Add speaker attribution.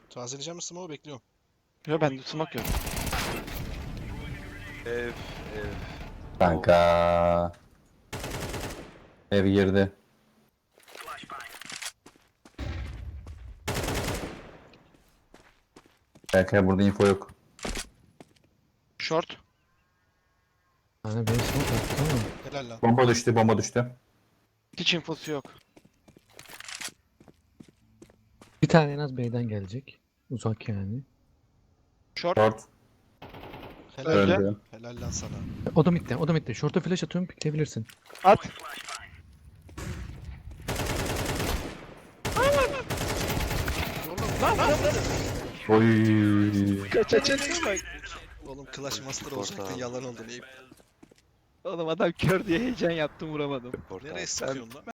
Speaker 1: Tazeleyeceğim mi smoke'u bekliyorum.
Speaker 2: Yok bende smoke yok.
Speaker 3: Ev.
Speaker 4: Kanka. Ev girdi. Kanka burada info yok.
Speaker 2: Short.
Speaker 5: Hani benim smoke attı tamam.
Speaker 1: Helal lan.
Speaker 4: Bomba düştü, bomba düştü.
Speaker 2: Hiç infosu yok.
Speaker 5: Bir tane en az B'den gelecek. Uzak yani.
Speaker 2: Short.
Speaker 4: Short
Speaker 1: Helal.
Speaker 2: Öldü.
Speaker 4: öldü.
Speaker 1: Helal lan sana.
Speaker 5: O da midde, o da midde. Short'a flash atıyorum, pikleyebilirsin.
Speaker 2: At.
Speaker 4: Oy.
Speaker 2: Kaçacağına bak.
Speaker 1: Oğlum Clash Master olacaktı yalan oldu.
Speaker 2: Oğlum adam kör diye heyecan yaptım vuramadım.
Speaker 1: Nereye sıkıyorsun lan?